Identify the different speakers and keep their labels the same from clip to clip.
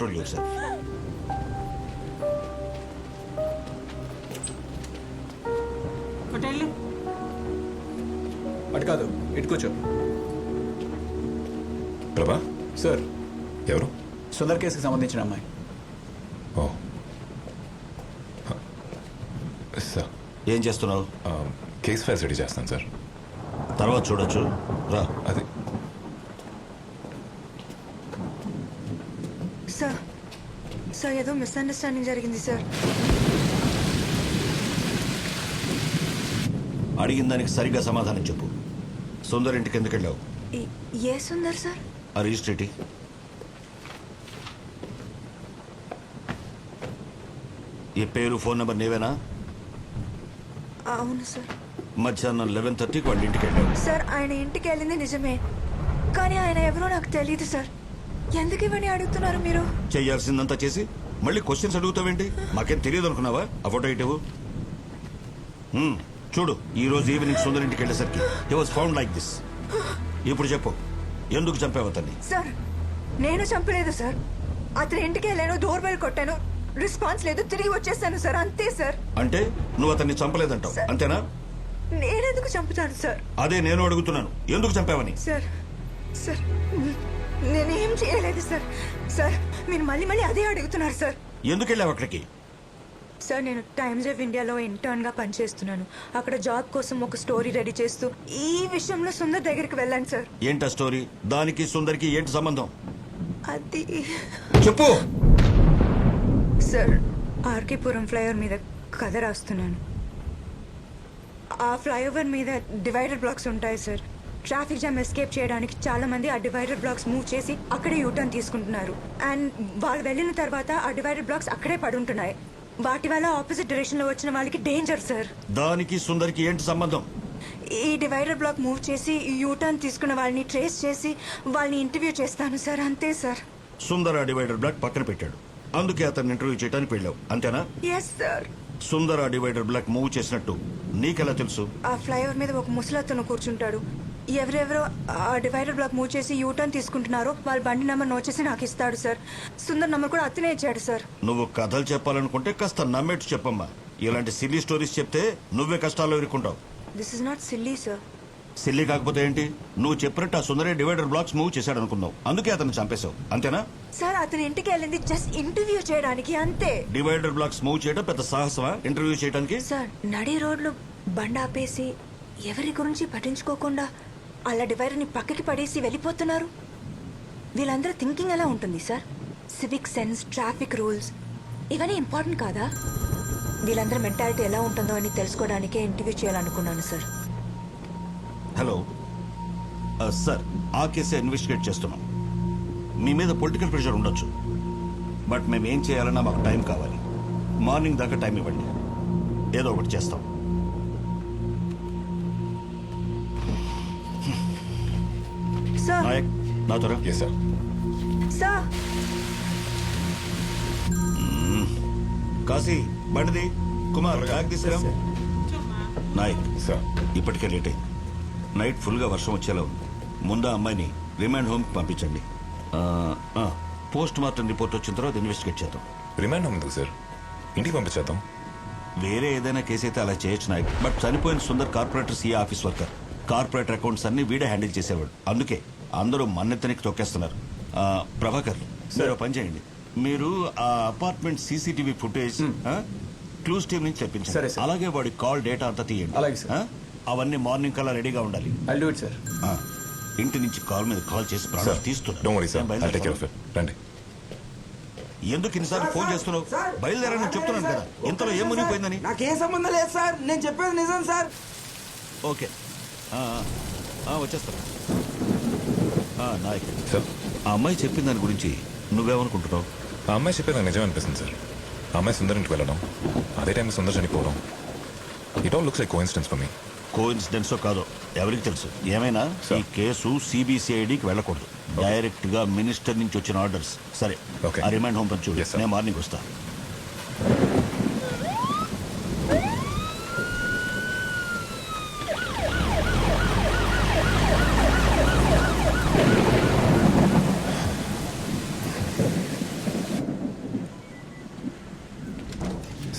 Speaker 1: Control your self.
Speaker 2: అటు కాదు, ఇటు కూర్చో.
Speaker 3: ప్రభా,
Speaker 2: సార్,
Speaker 3: ఎవరు?
Speaker 2: సుందర్ కేసుకి సంబంధించిన అమ్మాయి.
Speaker 3: ఓ సార్,
Speaker 1: ఏం చేస్తున్నావు?
Speaker 3: కేస్ ఫైల్స్ రెడీ చేస్తాను సార్.
Speaker 1: తర్వాత చూడొచ్చు, రా.
Speaker 3: అది
Speaker 4: సార్ సార్ ఏదో మిస్అండర్స్టాండింగ్ జరిగింది సార్.
Speaker 1: అడిగిన దానికి సరిగ్గా సమాధానం చెప్పు. సుందర్ ఇంటికి ఎందుకు వెళ్ళావు?
Speaker 4: ఏ సుందర్ సార్?
Speaker 1: ఆ రిజిస్ట్రేటి. ఈ పేరు, ఫోన్ నెంబర్ నీవేనా?
Speaker 4: అవును సార్.
Speaker 1: మధ్యాహ్నం 11:30కి వాళ్ళ ఇంటికి వెళ్ళావు.
Speaker 4: సార్ ఆయన ఇంటికి వెళ్ళింది నిజమే, కానీ ఆయన ఎవరో నాకు తెలియదు సార్. ఎందుకు ఇవన్నీ అడుగుతున్నారు మీరు?
Speaker 1: చెయ్యాల్సిందంతా చేసి మళ్ళీ క్వశ్చన్స్ అడుగుతావేంటి? మాకేం తెలియదు అనుకున్నావా? ఆ ఫోటో ఇటు చూడు. ఈ రోజు ఈవినింగ్ సుందర్ ఇంటికి వెళ్ళేసరికి he was found like this. ఇప్పుడు చెప్పు, ఎందుకు చంపావు అతన్ని?
Speaker 4: సార్ నేను చంపలేదు సార్. అతని ఇంటికి వెళ్ళాను, డోర్ బెల్ కొట్టాను, రెస్పాన్స్ లేదు, తిరిగి వచ్చేసాను సార్, అంతే సార్.
Speaker 1: అంటే నువ్వు అతన్ని చంపలేదంటావు, అంతేనా?
Speaker 4: నేనెందుకు చంపుతాను సార్?
Speaker 1: అదే నేను అడుగుతున్నాను, ఎందుకు చంపావని.
Speaker 4: సార్ సార్ నేనేం చేయలేదు సార్. సార్ మీరు మళ్ళీ మళ్ళీ అదే అడుగుతున్నారు సార్.
Speaker 1: ఎందుకు వెళ్ళావు అక్కడికి?
Speaker 4: సార్ నేను టైమ్స్ ఆఫ్ ఇండియాలో ఇంటర్న్ గా పనిచేస్తున్నాను. అక్కడ జాబ్ కోసం ఒక స్టోరీ రెడీ చేస్తూ ఈ విషయంలో సుందర్ దగ్గరికి వెళ్ళాను సార్.
Speaker 1: ఏంటా స్టోరీ? దానికి సుందర్కి ఏంటి సంబంధం?
Speaker 4: అది
Speaker 1: చెప్పు.
Speaker 4: సార్ ఆర్కేపురం ఫ్లైఓవర్ మీద కథ రాస్తున్నాను. ఆ ఫ్లైఓవర్ మీద డివైడర్ బ్లాక్స్ ఉంటాయి సార్. ట్రాఫిక్ జామ్ ఎస్కేప్ చేయడానికి చాలా మంది ఆ డివైడర్ బ్లాక్స్ మూవ్ చేసి అక్కడే యూటర్న్ తీసుకుంటున్నారు. అండ్ వాళ్ళు వెళ్ళిన తర్వాత ఆ డివైడర్ బ్లాక్స్ అక్కడే పడుంటున్నాయి. వాటి వల్ల ఆపోజిట్ డైరెక్షన్ లో వచ్చిన వాళ్ళకి డేంజర్ సార్.
Speaker 1: దానికి సుందర్కి ఏంటి సంబంధం?
Speaker 4: ఈ డివైడర్ బ్లాక్ మూవ్ చేసి యూటర్న్ తీసుకున్న వాళ్ళని ట్రేస్ చేసి వాళ్ళని ఇంటర్వ్యూ చేస్తాను సార్, అంతే సార్.
Speaker 1: సుందర్ ఆ డివైడర్ బ్లాక్ పక్కన పెట్టాడు, అందుకే అతన్ని ఇంటర్వ్యూ చేయడానికి వెళ్ళావు, అంతేనా?
Speaker 4: Yes sir.
Speaker 1: సుందర్ ఆ డివైడర్ బ్లాక్ మూవ్ చేసినట్టు నీకెలా తెలుసు?
Speaker 4: ఆ ఫ్లైఓవర్ మీద ఒక ముసలతను కూర్చుంటాడు. ఎవరెవరో ఆ డివైడర్ బ్లాక్ మూవ్ చేసి యూటర్న్ తీసుకుంటున్నారో వాళ్ళ బండి నెంబర్ నోట్ చేసి నాకు ఇస్తాడు సార్. సుందర్ నెంబర్ కూడా అతనే ఇచ్చాడు సార్.
Speaker 1: నువ్వు కథలు చెప్పాలనుకుంటే కాస్త నమ్మేట్టు చెప్పమ్మా. ఇలాంటి సిల్లీ స్టోరీస్ చెప్తే నువ్వే కష్టాల్లో ఇరుక్కుంటావు.
Speaker 4: This is not silly sir.
Speaker 1: Silly కాకపోతే ఏంటి? నువ్వు చెప్పినట్టు ఆ సుందరే డివైడర్ బ్లాక్స్ మూవ్ చేశాడు అనుకున్నావు, అందుకే అతను చంపేశావు, అంతేనా?
Speaker 4: సార్ అతని ఇంటికి వెళ్ళింది జస్ట్ ఇంటర్వ్యూ చేయడానికి, అంతే.
Speaker 1: డివైడర్ బ్లాక్స్ మూవ్ చేయడం పెద్ద సాహసమా ఇంటర్వ్యూ చేయడానికి?
Speaker 4: సార్ నడి రోడ్లు బండి ఆపేసి ఎవరి గురించి పట్టించుకోకుండా అలా డివైడర్ని పక్కకి పడేసి వెళ్ళిపోతున్నారు. వీళ్ళందరూ థింకింగ్ ఎలా ఉంటుంది sir? Civic sense, traffic rules ఇవన్నీ ఇంపార్టెంట్ కాదా? వీళ్ళందరూ మెంటాలిటీ ఎలా ఉంటుందో అని తెలుసుకోవడానికే ఇంటర్వ్యూ చేయాలనుకున్నాను సార్.
Speaker 1: హలో సార్, ఆ కేసే ఇన్వెస్టిగేట్ చేస్తున్నాం. మీ మీద పొలిటికల్ ప్రెషర్ ఉండొచ్చు, బట్ మేము ఏం చేయాలన్నా మాకు టైం కావాలి. మార్నింగ్ దాకా టైం ఇవ్వండి, ఏదో ఒకటి చేస్తాం.
Speaker 4: సార్
Speaker 1: నాయక్, నా త్వర.
Speaker 3: Yes sir.
Speaker 4: సార్
Speaker 1: కాశీ, బండిది. కుమార్, బ్యాగ్ తీసుకురా. నాయక్,
Speaker 3: సార్.
Speaker 1: ఇప్పటికే లేట్ అయింది. నైట్ ఫుల్గా వర్షం వచ్చేలా ఉంది. ముందు అమ్మాయిని రిమాండ్ హోమ్కి పంపించండి. పోస్ట్ మార్టం రిపోర్ట్ వచ్చిన తర్వాత ఇన్వెస్టిగేట్ చేద్దాం.
Speaker 3: రిమాండ్ హోమ్ ఎందుకు సార్? ఇంటికి పంపించేద్దాం.
Speaker 1: వేరే ఏదైనా కేసు అయితే అలా చేయొచ్చు నాయక్, బట్ చనిపోయిన Sundar corporator CA office worker. Corporator accounts అన్ని వీడే హ్యాండిల్ చేసేవాడు, అందుకే అందరూ మన్నెత్తనికి తొక్కేస్తున్నారు. ప్రభాకర్, మీరు పని చేయండి. మీరు ఆ apartment CCTV footage clues team నుంచి
Speaker 2: సరే,
Speaker 1: తెప్పించండి.
Speaker 2: సార్.
Speaker 1: అలాగే వాడి కాల్ డేటా అంతా తీయండి.
Speaker 2: అలాగే, సార్.
Speaker 1: అవన్నీ మార్నింగ్ కల్లా రెడీగా ఉండాలి.
Speaker 2: I'll do it sir.
Speaker 1: ఇంటి నుంచి కాల్ మీద కాల్ చేసి ప్రాణాలు
Speaker 3: డోంట్ వరీ సార్,
Speaker 1: తీస్తున్నా.
Speaker 3: I'll take care of it. రండి.
Speaker 1: ఎందుకు ఇన్నిసార్లు ఫోన్ చేస్తున్నావు? బయలుదేరని చెప్తున్నాను కదా, ఇంతలో ఏం మునిగిపోయిందని.
Speaker 5: నాకేం సంబంధం లేదు సార్, నేను చెప్పేది నిజం సార్.
Speaker 1: ఓకే, వచ్చేస్తాను. నాయక్
Speaker 3: సార్,
Speaker 1: ఆ అమ్మాయి చెప్పిన దాని గురించి నువ్వేమనుకుంటున్నావు?
Speaker 3: ఆ అమ్మాయి చెప్పేది నాకు నిజం అనిపిస్తుంది సార్. ఆ అమ్మాయి సుందర్ ఇంటికి వెళ్ళడం, అదే టైంలో సుందర్ చనిపోవడం, it all looks like coincidence for me.
Speaker 1: కోఇన్సిడెన్సో కాదో ఎవరికి తెలుసు. ఏమైనా ఈ కేసు సిబిసిఐడికి వెళ్ళకూడదు, డైరెక్ట్ గా మినిస్టర్ నుంచి వచ్చిన ఆర్డర్స్. సరే,
Speaker 3: Okay.
Speaker 1: ఆ రిమైండ్ హోమ్ పంచు.
Speaker 3: Yes, sir.
Speaker 1: నేను మార్నింగ్ వస్తా.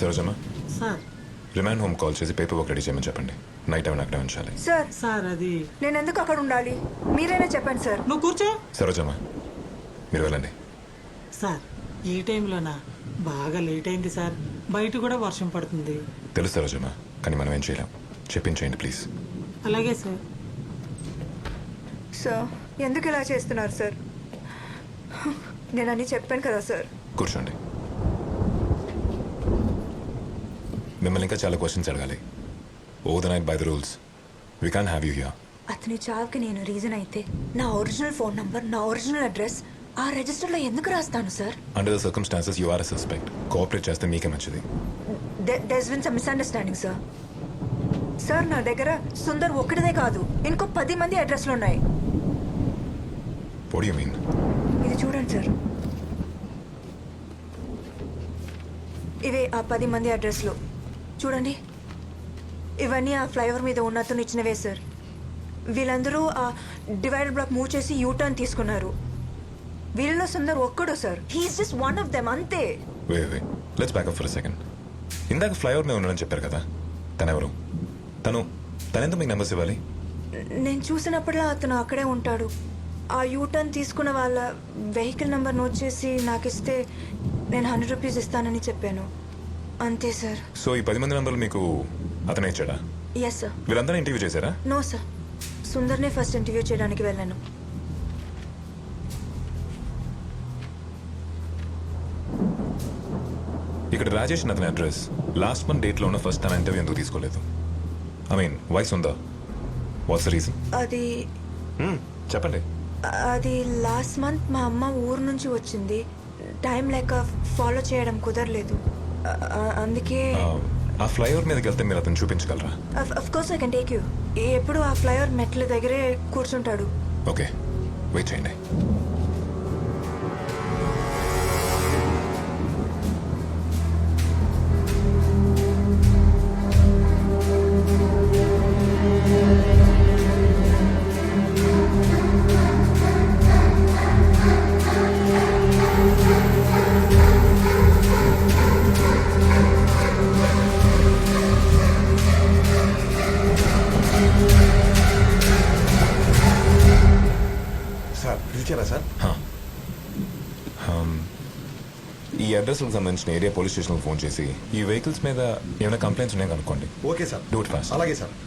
Speaker 3: Sarojamma
Speaker 6: sir
Speaker 3: remand home call చేసి పేపర్ వర్క్ రెడీ చేయమని చెప్పండి. నైట్ టైం అక్కడే ఉంచాలి.
Speaker 4: సార్
Speaker 6: సార్ అది
Speaker 4: నేను ఎందుకు అక్కడ ఉండాలి? మీరైనా చెప్పండి సార్.
Speaker 6: నువ్వు కూర్చో.
Speaker 3: సరోజమ్మ మీరు వెళ్ళండి.
Speaker 6: సార్ ఈ టైంలోనా? బాగా లేట్ అయింది సార్. బయట కూడా వర్షం పడుతుంది.
Speaker 3: తెలుసు సరోజమ్మ, కానీ మనం ఏం చేయలేం. చెప్పించేయండి ప్లీజ్.
Speaker 6: అలాగే సార్.
Speaker 4: సార్ ఎందుకు ఇలా చేస్తున్నారు సార్? నేను అన్నీ చెప్పాను కదా సార్.
Speaker 3: కూర్చోండి. మిమ్మల్ని ఇంకా చాలా క్వశ్చన్స్ అడగాలి. Over the night by the rules we can have you here.
Speaker 4: అతని చావుకి నేను రీజన్ అయితే నా ఒరిజినల్ ఫోన్ నంబర్, నా ఒరిజినల్ అడ్రస్ ఆ రిజిస్టర్లో ఎందుకు రాస్తాను sir?
Speaker 3: Under the circumstances you are a suspect. Cooperate చేస్తే మీకే మంచిది.
Speaker 4: There's been some misunderstanding sir. Sir నా దగ్గర సుందర్ ఒక్కడిదే కాదు, ఇంకో 10 మంది అడ్రస్లు ఉన్నాయి.
Speaker 3: What you mean?
Speaker 4: ఇది చూడండి సార్. ఇవే ఆ 10 మంది అడ్రస్లు చూడండి. ఇవన్నీ ఆ ఫ్లైఓవర్ మీద ఉన్న అతను ఇచ్చినవే సార్. వీళ్ళందరూ ఆ డివైడర్ బ్లాక్ మూవ్ చేసి యూటర్న్ తీసుకున్నారు. వీళ్ళలో సుందర్ ఒక్కడు sir. He is just one of them, అంతే.
Speaker 3: Wait let's back up for a second. ఇందాక ఫ్లైఓవర్ మీద ఉన్నాడని చెప్పారు కదా, తనెవరు? తనెందుకు మీకు నెంబర్స్ ఇవ్వాలి?
Speaker 4: నేను చూసినప్పుడల్లా అతను అక్కడే ఉంటాడు. ఆ యూటర్న్ తీసుకున్న వాళ్ళ వెహికల్ నెంబర్ నోట్ చేసి నాకు ఇస్తే నేను 100 రూపీస్ ఇస్తానని చెప్పాను, అంతే సార్.
Speaker 3: సో ఈ 10 మంది నెంబర్లు మీకు అతనే ఇచ్చాడా?
Speaker 4: Yes sir.
Speaker 3: వీళ్ళందరూ ఇంటర్వ్యూ చేశారా?
Speaker 4: నో సార్, సుందర్నే ఫస్ట్ ఇంటర్వ్యూ చేయడానికి వెళ్ళాను.
Speaker 3: ఇక్కడ రాజేష్ అతని అడ్రస్ లాస్ట్ మంత్ డేట్లో ఉన్న ఫస్ట్ తన ఇంటర్వ్యూ ఎందుకు తీసుకోలేదు? ఐ మీన్ వైస్ ఉందా? What's the reason?
Speaker 4: అది
Speaker 3: చెప్పండి.
Speaker 4: అది లాస్ట్ మంత్ మా అమ్మ ఊరు నుంచి వచ్చింది. టైం లేక ఫాలో చేయడం కుదరలేదు. అందుకే
Speaker 3: ఆ ఫ్లైఓవర్ మీదకి వెళ్తే మీరు అతను చూపించగలరా?
Speaker 4: Of course I can take you. ఎప్పుడు ఆ ఫ్లైఓవర్ మెట్ల దగ్గరే కూర్చుంటాడు.
Speaker 3: ఓకే, వెయిట్ చేయండి.
Speaker 7: సార్ పిలిచారా సార్?
Speaker 3: ఈ అడ్రస్కి సంబంధించిన ఏరియా పోలీస్ స్టేషన్కి ఫోన్ చేసి ఈ వెహికల్స్ మీద ఏమైనా కంప్లైంట్స్ ఉన్నాయో కనుక్కోండి.
Speaker 7: Okay sir.
Speaker 3: Do it fast.
Speaker 7: అలాగే sir.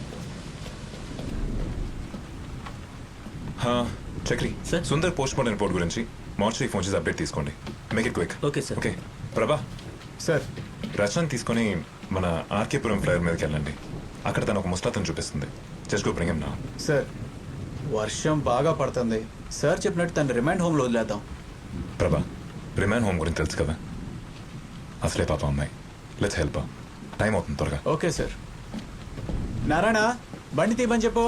Speaker 3: Chakri
Speaker 2: sir.
Speaker 3: Sundar post mortem report గురించి మార్చి ఫోన్ చేసి అప్డేట్ తీసుకోండి. Make it quick.
Speaker 2: Okay sir.
Speaker 3: Okay Prabha,
Speaker 2: sir
Speaker 3: Rachana తీసుకొని మన ఆర్కేపురం ఫ్లైఓవర్ మీదకి వెళ్ళండి. అక్కడ తను ఒక ముస్తాతను చూపిస్తుంది. Just go bring him now.
Speaker 2: Sir వర్షం బాగా పడుతుంది సార్. చెప్పినట్టు తను రిమాండ్ హోమ్లో వదిలేద్దాం.
Speaker 3: ప్రభా, రిమాండ్ హోమ్ గురించి తెలుసు కదా, అసలే పాప అమ్మాయి. Let's help. టైం అవుతుంది, త్వరగా.
Speaker 2: Okay sir. నారాయణ బండి తీయమని చెప్పు.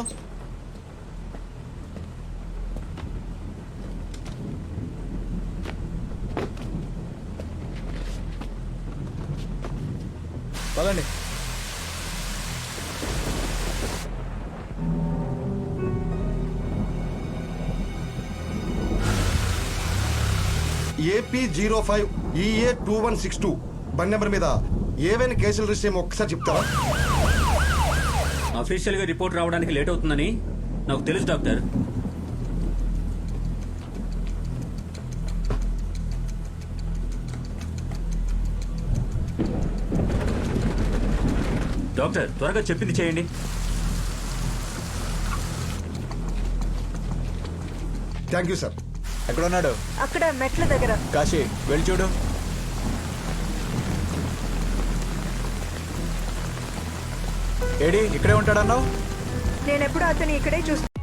Speaker 2: పదండి.
Speaker 7: ఏపీ 05 EA 2162 బండి నెంబర్ మీద ఏవైనా కేసులు రిజిస్టర్ ఏమో ఒక్కసారి చెప్తారా?
Speaker 8: అఫీషియల్గా రిపోర్ట్ రావడానికి లేట్ అవుతుందని నాకు తెలుసు డాక్టర్. డాక్టర్ త్వరగా చెప్పింది చేయండి.
Speaker 7: Thank you sir.
Speaker 2: ఎక్కడ ఉన్నాడు?
Speaker 4: అక్కడ మెట్ల దగ్గర.
Speaker 2: కాశీ వెళ్ళి చూడు. ఏడి ఇక్కడే ఉంటాడన్నావు?
Speaker 4: నేను ఎప్పుడు అతను ఇక్కడే చూస్తాను.